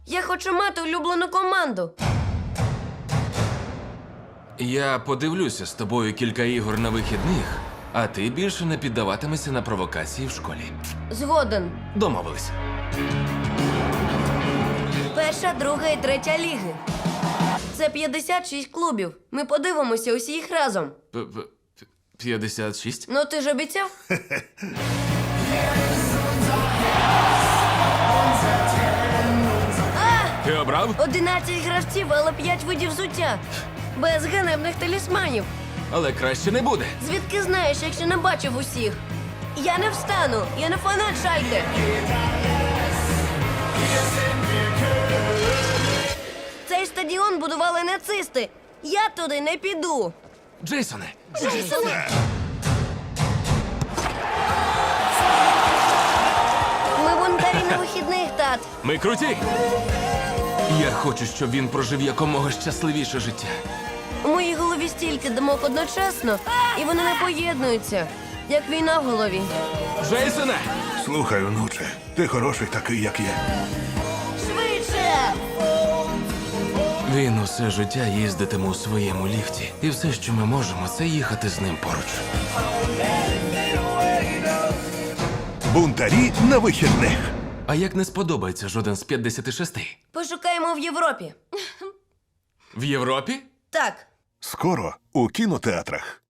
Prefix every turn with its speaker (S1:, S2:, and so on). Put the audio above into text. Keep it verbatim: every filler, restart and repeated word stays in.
S1: Я хочу мати улюблену команду.
S2: Я подивлюся з тобою кілька ігор на вихідних, а ти більше не піддаватимешся на провокації в школі.
S1: Згоден.
S2: Домовились.
S1: Перша, друга і третя ліги. Це п'ятдесят шість клубів. Ми подивимося усі їх разом.
S2: П- п- п'ятдесят шість?
S1: Ну ти ж обіцяв?
S2: Ти обрав?
S1: одинадцять гравців, але п'ять видів взуття. Без ганебних талісманів.
S2: Але краще не буде.
S1: Звідки знаєш, якщо не бачив усіх? Я не встану, я не фанат Шальке. Цей стадіон будували нацисти. Я туди не піду.
S2: Джейсоне,
S1: Ми бунтарі на вихідних, тат.
S2: ми круті. Я хочу, щоб він прожив якомога щасливіше життя.
S1: У моїй голові стільки думок одночасно, і вони не поєднуються, як війна в голові.
S2: Джейсоне!
S3: Слухай, онуче, ти хороший такий, як є.
S1: Швидше!
S2: Він усе життя їздитиме у своєму ліфті. І все, що ми можемо, це їхати з ним поруч.
S3: Бунтарі на вихідних.
S2: А як не сподобається жоден з п'ятдесят шість?
S1: Пошукаємо в Європі.
S2: В Європі?
S1: Так.
S3: Скоро у кінотеатрах.